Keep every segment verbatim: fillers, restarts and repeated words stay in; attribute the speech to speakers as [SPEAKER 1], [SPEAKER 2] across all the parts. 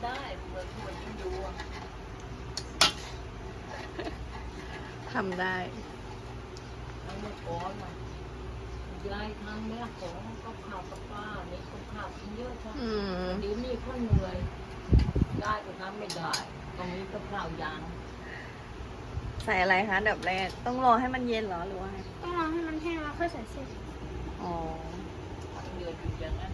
[SPEAKER 1] ำได้เมื่อคนยังดู
[SPEAKER 2] ทำได้
[SPEAKER 1] แล้วเมื่อก่อนน่ะยายทำแม่ของกับข้าวกับปลาเนี่ยกับข้าวกินเยอะใช่ไหมเดี๋ยวนี้คนเหนื่อยยายก็ทำไม่ได้ตรงนี้กับข้าวยาง
[SPEAKER 2] ใส่อะไรคะดับแรกต้องรอให้มันเย็นเหรอหรือว่าไง
[SPEAKER 3] ต้องรอให้มันแห้งแล้วค่อยใส่เส้น
[SPEAKER 2] อ๋อ
[SPEAKER 1] เดือดอยู่อย่างนั้น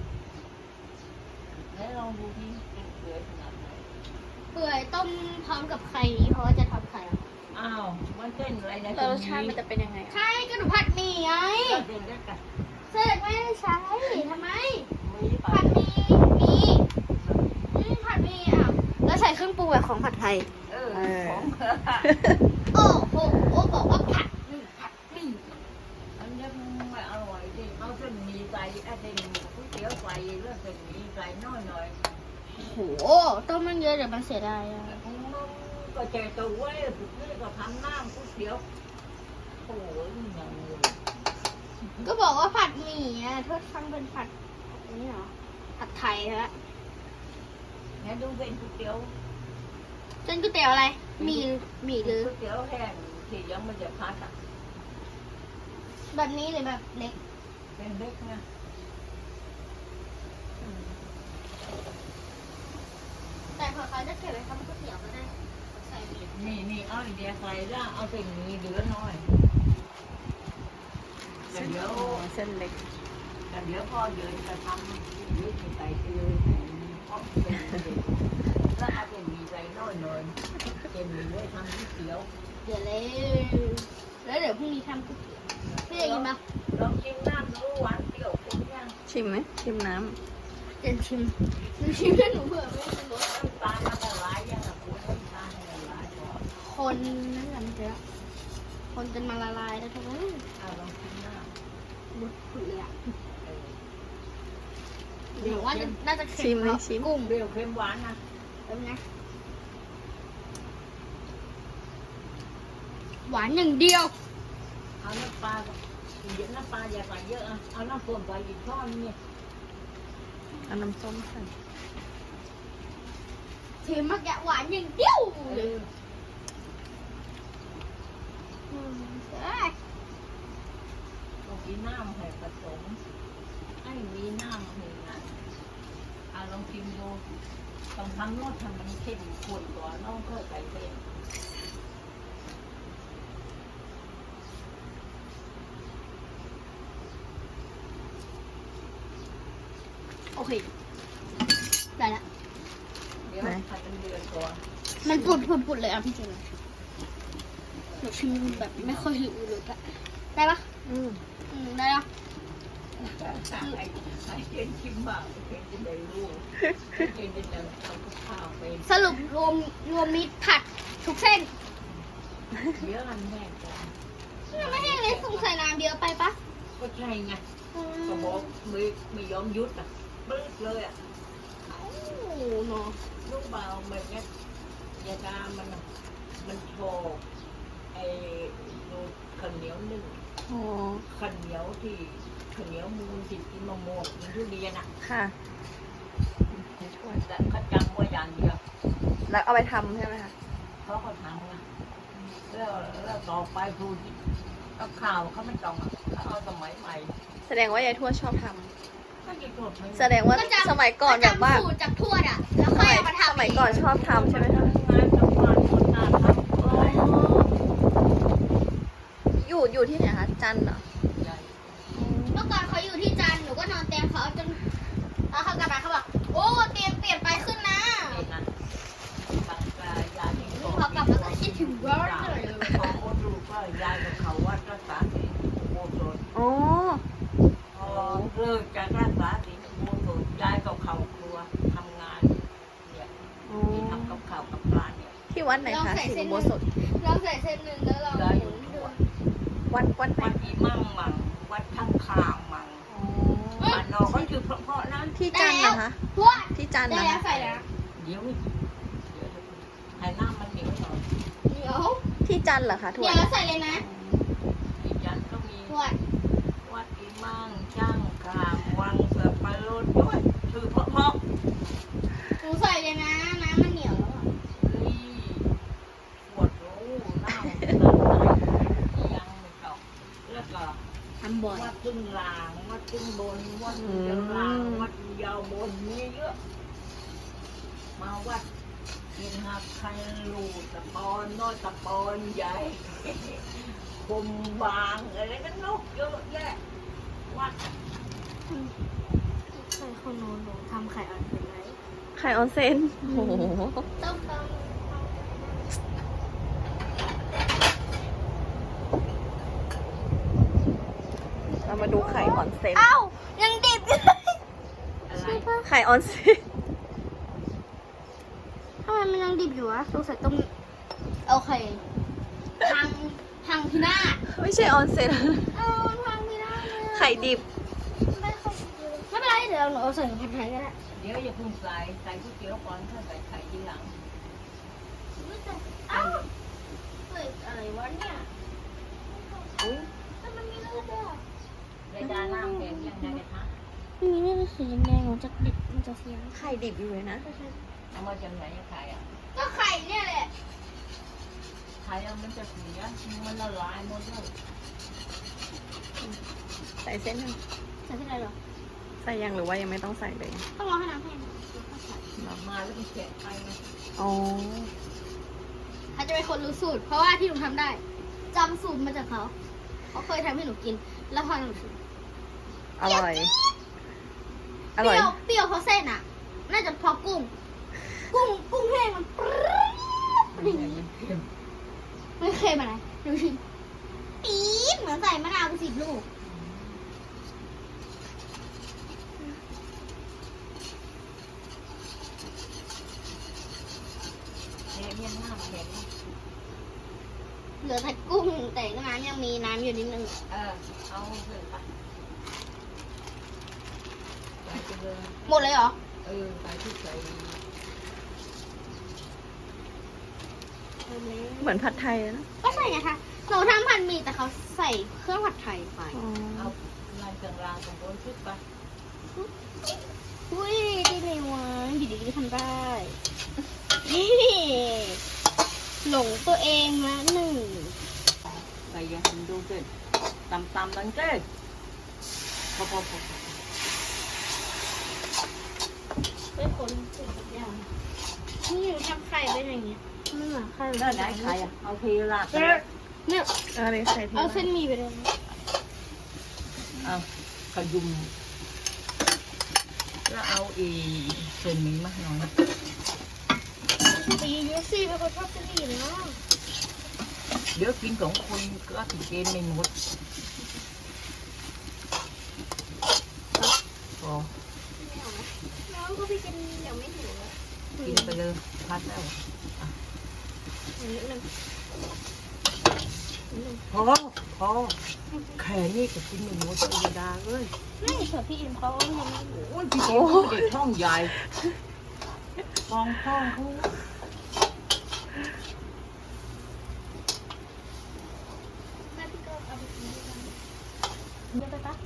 [SPEAKER 1] แล้วลองดูที่เดือดขนาดไหน
[SPEAKER 3] เปื่อยต้มพร้อมกับไข่เพราะว่าจะทำไข่
[SPEAKER 1] อ้าวมันเส้นอะไรนะ
[SPEAKER 2] รสชาติมันจะเป็นยังไง
[SPEAKER 3] ใช่ก็หนูผัดหมี่ไง
[SPEAKER 1] เส้นเล็กกัน
[SPEAKER 3] เส้นไม่ได้ใช้ทำไม
[SPEAKER 1] ผั
[SPEAKER 3] ดหมี่มีอืมผัดหมี่อ่ะแล้วใส่เครื่องปรุงแบบของผัดไทย
[SPEAKER 1] เออของ
[SPEAKER 3] โอ้โหบอกว่าผัดหมี่ผัดหมี่
[SPEAKER 1] อันนี้มันไม่อร่อยดิเอาเส้นหมี่ใส่ไอ้เส้นก๋วยเตี๋ยวใส่เลือดเส้นหมี่ใส่น้อยหน่อย
[SPEAKER 3] โหต้มมันเยอะเดี๋ยวมันเสียดายอ่ะ
[SPEAKER 1] ก็แจกตัวไว้สุดนี่ก็ทำน้ำก๋วยเตี๋ยวโอ้ยยังเลย
[SPEAKER 3] ก็บอกว่าผัดหมี่อ่ะทดฟังเป็นผัดนี่เหรอผัดไทยฮะ
[SPEAKER 1] งั้นดูเป็นก๋วยเตี๋ยว
[SPEAKER 3] เส้นก๋วยเตี๋ยวอะไรหมี่หมี่หรือ
[SPEAKER 1] ก๋วยเตี๋ยวแห้งที่ยังไม่ได้พัดอ่ะ
[SPEAKER 3] แบบนี้หรือแบบเล็ก
[SPEAKER 1] เป็นเล็กนะ
[SPEAKER 3] แต่พอเขาจะเก็บไว้ทำก๋วยเตี๋ยวก็ได้ใส่
[SPEAKER 1] นี่นี่เอาไอเดียใส่แล้วเอาเป็นนี้เหลือน้อยแต่เดี๋ยว
[SPEAKER 2] เส้นเล็ก
[SPEAKER 1] แต่เดี๋ยวพอเดินจะทำยืดใส่ไปเลยเพราะเป็นแล้วเอาเป็นมีใส่น้อยหน่อยเป็นมีไว้ทำก๋วยเตี๋ยว
[SPEAKER 3] เดี๋ยวเลยแล้วเดี๋ยวพรุ่งนี้ทำก๋วยเตี๋ยวพี่จะกินปะ
[SPEAKER 1] ลองชิมน้ำดูหวานเปรี้ยวเป็นยัง
[SPEAKER 2] ชิมไหมชิมน้
[SPEAKER 3] ำเดี๋ยวชิมหนูชิมให้หนูเผื่อไม่เป็นรส
[SPEAKER 1] น้ำตาลมันละลายยังอ่ะคุณน้ำตาลละลายก่อน
[SPEAKER 3] คนนั่นแหละมันจะคนจนมาละลายแล้วทุกคน
[SPEAKER 1] เอาลองชิมน้
[SPEAKER 3] ำบุดผุดเลยอ่ะเดี๋ยวว่าน่าจะเค็ม
[SPEAKER 2] ชิม
[SPEAKER 3] กุ้ง
[SPEAKER 1] เปรี้ยวเค็มหวานนะ
[SPEAKER 3] เป็นไงหวานอย่างเดียว
[SPEAKER 1] เอาน้ำปลาเยอะน้ำปลาอย่าใส่เยอะอ่ะเอาน้ำส้มใส่อีกช้อนนี่
[SPEAKER 2] เอาน้ำส้มใส่
[SPEAKER 3] เค็มมากแกหวานอย่างเดียวเลย
[SPEAKER 1] ต้องกินน้ำให้ผสมให้มีน้ำให้นะเอาลองชิมดูต้องทำรสทำมันเข้มข้นก่อนน้องก็ใส่เส้น
[SPEAKER 3] โอเคได้ละ
[SPEAKER 1] เดี๋ยวผัดเป็นเดือนก่อน
[SPEAKER 3] มันปุดปุดปุดเลยอ่ะพี่เจนหนูชิมแบบไม่ค่อยหิวเลยอะได้ปะ
[SPEAKER 2] อืม
[SPEAKER 3] อืมได้ละ
[SPEAKER 1] ไอ้ไอ้เจนชิมบ้างเจนจะได้รู้เจนจะได้ทำข้าวเป็น
[SPEAKER 3] สรุปรวมรวมมิตรผัดทุกเส้น
[SPEAKER 1] เดี๋ยวมันแห้งก่อน
[SPEAKER 3] ไม่แห้งเลยสงสัยน้ำเยอะไปปะ
[SPEAKER 1] ก็ใช่ไงก็บอกไม่ไม่ยอมยุดอ่ะบึ้งเลยอ่ะ
[SPEAKER 3] โอ้เนาะ
[SPEAKER 1] ลูกเบาเหมือนเนี้ยยาดามันมันโชว์ไอ้ดูข้าวเหนียวนึ่งข้าวเหนียวที่ข้าวเหนียวมูนติดกินมะม่วงกินทุเรียนอ่ะ
[SPEAKER 2] ค่ะ
[SPEAKER 1] แต่เขาจำว่าอย่างเดียว
[SPEAKER 2] แล้วเอาไปทำใช่ไหมคะ
[SPEAKER 1] เขาก็ทำนะแล้วแล้วต่อไปครูกับข่าวเขาไม่ต้องเขาเอาสมัยใหม่
[SPEAKER 2] แสดงว่ายายทวดชอบทำแสดงว่า
[SPEAKER 3] ส
[SPEAKER 2] มัยก่อนแบบว่า
[SPEAKER 3] จากทวดอ่ะแล้วค่อยเอามาทำ
[SPEAKER 2] สมัยก่อนชอบทำใช่ไหมคะอยู่อยู่ที่ไหนคะจันทร์เหรอ
[SPEAKER 3] เมื่อก่อนเขาอยู่ที่จันทร์หนูก็นอนเตียงเขาจนแล้วเขากลับมาเขาบอกโอ้เตียงเปลี่ยนไปขึ้นนะเขากลับมาก็คิดถึงว่าเลย
[SPEAKER 1] เขาดูว่ายายกับเขาวัดรักษาศีลโมโสด
[SPEAKER 2] อ๋อ
[SPEAKER 1] พอเลิกจากรักษาศีลโมโสดยายกับเขาครัวทำงานเนี่ยที่ทำกับข้าวกับปลาเนี่ย
[SPEAKER 2] ที่วัดไหนคะสิงห์โบสถ
[SPEAKER 3] เราใส่เส้นหนึ่งแล้วเราหมุนดู
[SPEAKER 2] วัดวัด
[SPEAKER 1] วัดอีมั่งมั่งวัดข้างข้างมั่งบ้านนอกก็คือเพราะนั้น
[SPEAKER 2] ที่จันทร์นะคะที่จันทร์นะ
[SPEAKER 3] ใส่แล้ว
[SPEAKER 1] เดี๋ยวให้น้ำมันเหนียวหน่อย
[SPEAKER 3] เดี๋ยว
[SPEAKER 2] ที่จันทร์เหรอคะทวด
[SPEAKER 3] เดี๋ยวแล้วใส่เลยนะ
[SPEAKER 1] ที่จันทร์ก็มี
[SPEAKER 3] ทวด
[SPEAKER 1] วัดอีมั่งช่างข้างวังเสือปลาโลดด้วยชื่อเพราะเพราะ
[SPEAKER 3] หนูใส่เลยนะ
[SPEAKER 1] บนวัดยาวลางวัดยาวบนมีเยอะมาวัดกินหักใครลูกตะปอนน้อยตะปอนใหญ่คมบางอะไรกันนกเยอะแยะวัด
[SPEAKER 3] ใส่ข้าวโน้นหนูทำไข่อ่อนเป็นไร
[SPEAKER 2] ไข่ออนเซนโอ้โห
[SPEAKER 3] ต้มต้ม
[SPEAKER 2] เรามาดูไข่ออนเซน
[SPEAKER 3] เอ้ายังดิบอยู่เลย
[SPEAKER 1] อะไร
[SPEAKER 2] ไข่ออนเซน
[SPEAKER 3] ทำไมมันยังดิบอยู่วะสงสัยต้มโอเคพังพังพินาศ
[SPEAKER 2] ไม่ใช่ออนเซน
[SPEAKER 3] เออพังพินาศเลย
[SPEAKER 2] ไข่ดิบ
[SPEAKER 3] ไม่ค่อยดีไม่เป็นไรเดี๋ยวหนูเอาใส่ผัดไทยก็ได้
[SPEAKER 1] เดี๋ยวอย่าเพิ่งใส่ใส่ก๋วยเตี๋ยวก่อนถ้าใส่ไข่ทีหลัง
[SPEAKER 3] เอ้าเฮ้ยอะไรวะเนี่ย
[SPEAKER 1] อุ้ย
[SPEAKER 3] แต่มันมีเลือดด้วย
[SPEAKER 1] ในดาน้ำแข็งยังไงนะคะ
[SPEAKER 3] มีเลือดสีแดงๆมันจะดิบมันจะเสียง
[SPEAKER 2] ไข่ดิบอยู่เลยนะ
[SPEAKER 1] เอามาจากไหนอะไข่อะ
[SPEAKER 3] ก็ไข่เนี่ยแหละ
[SPEAKER 1] ไข่อะมันจะเสียมันละลายหมดเลย
[SPEAKER 2] ใส่เส้นหนึ่ง
[SPEAKER 3] ใส่ที่ไหนหรอ
[SPEAKER 2] ใส่ยังหรือว่ายังไม่ต้องใส่เลย
[SPEAKER 3] ต้องรอให้น้ำแห้ง
[SPEAKER 1] ออกมาแล้วมันแฉะไปไง
[SPEAKER 2] อ๋อ
[SPEAKER 3] เขาจะเป็นคนรู้สูตร เพราะว่าที่หนูทำได้จำสูตรมาจากเขาเขาเคยทำให้หนูกิน แล้วพอหนูกิน
[SPEAKER 2] อร่อย อ
[SPEAKER 3] เป
[SPEAKER 2] ร่อย
[SPEAKER 3] รี้ยวเปรี้ยวเพราะเส้นอ่ะ น่าจะเพราะกุ้ง กุ้งกุ้งแห้งมันปรี๊ด
[SPEAKER 1] มัน
[SPEAKER 3] อย่าง
[SPEAKER 1] ไง
[SPEAKER 3] นี้
[SPEAKER 1] มันเค็ม
[SPEAKER 3] ไม่เคยมาไหนดูชิมปี๊ดเหมือนใส่มะนาวไปสิบลูก
[SPEAKER 1] เนี่ยเนี่ยน้ำแข็ง
[SPEAKER 3] เหลือแต่กุ้งแต่ก็น้ำยังมีน้ำอยู่นิดนึง
[SPEAKER 1] เออเอาเถอะไปใส่ไปเลย
[SPEAKER 3] หมดเลยเหรอ
[SPEAKER 1] เออใส่ที่ใส่
[SPEAKER 2] เหมือนผัดไทยนะ
[SPEAKER 3] ก็ใส่ไงคะหนูทำผัดหมี่แต่เขาใส่เครื่องผัดไทยไป
[SPEAKER 2] อ๋อ
[SPEAKER 1] เอาลายกลางรางตรงบนชุดไป
[SPEAKER 3] อุ้ยดีเลยวะอยู่ดีๆทำได้หลงตัวเองละหนึ่ง
[SPEAKER 1] ใส่ยังดูเกินตำตำนั่นเกินพอพอพอ
[SPEAKER 3] เป็นคนสุดยอดนี่หนูทำไข่เป็นอย่างเงี้ยไม่เหมือนไข่
[SPEAKER 1] แล้วไหนใครอ่ะเอาเทราดไป
[SPEAKER 3] เนี่ย
[SPEAKER 2] เอะไรใส่ที่
[SPEAKER 3] เอาเส้นหมี่ไปเลยนะ
[SPEAKER 1] เอาขยุมแล้วเอาอีเส้นนี้มาหน่อย
[SPEAKER 3] ตีเยอะสิเป็นคนชอบเส้นหมี่เลยเนาะ
[SPEAKER 1] เดี๋ยวกินสองคนก็ถึงเกณฑ์ไม่หมดพอ
[SPEAKER 3] น้องก็ไปกินเดี๋ยวไม่หิวแล้ว
[SPEAKER 1] กินไปเลยพัดแล้ว
[SPEAKER 3] นิดนึง
[SPEAKER 1] พอพอแค่นี้ก็กินไม่หมดธรรมดาเลย
[SPEAKER 3] ไม่เผื่อพี่อิมเขายังไม่หิว
[SPEAKER 1] โอ้ยพี่เกมเด็กท้องใหญ่ฟองท้องเขา
[SPEAKER 3] แม่พี่ก็เอาไปกินด้วยกันเดี๋ยวไปปะ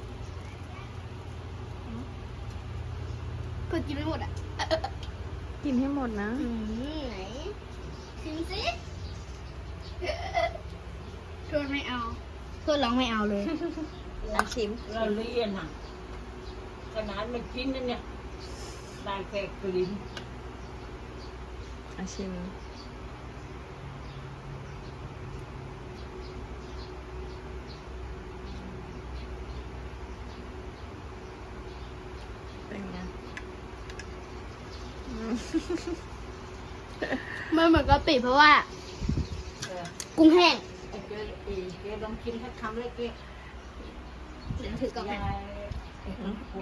[SPEAKER 3] เผื่อกินไม่หมดอ่ะ
[SPEAKER 2] กินให้หมดนะ
[SPEAKER 3] อืมไหนชิมสิทวนไม่เอาทวนร้องไม่เอาเลย
[SPEAKER 2] อ่ะชิม
[SPEAKER 1] เราเรียนอ่ะขนาดไม่กินนั่นเนี่ยได้แค่กลิ่น
[SPEAKER 2] อ่ะชิม เป็นไงอืม
[SPEAKER 3] มันเหมือนกะปิเพราะว่า
[SPEAKER 1] เออ
[SPEAKER 3] กุ้งแห้ง
[SPEAKER 1] ไอ้เจ๊ไอ้เจ๊ลองกินสักคำเลยเจ๊
[SPEAKER 3] เดี๋ยวถือกลับไป
[SPEAKER 1] ยาย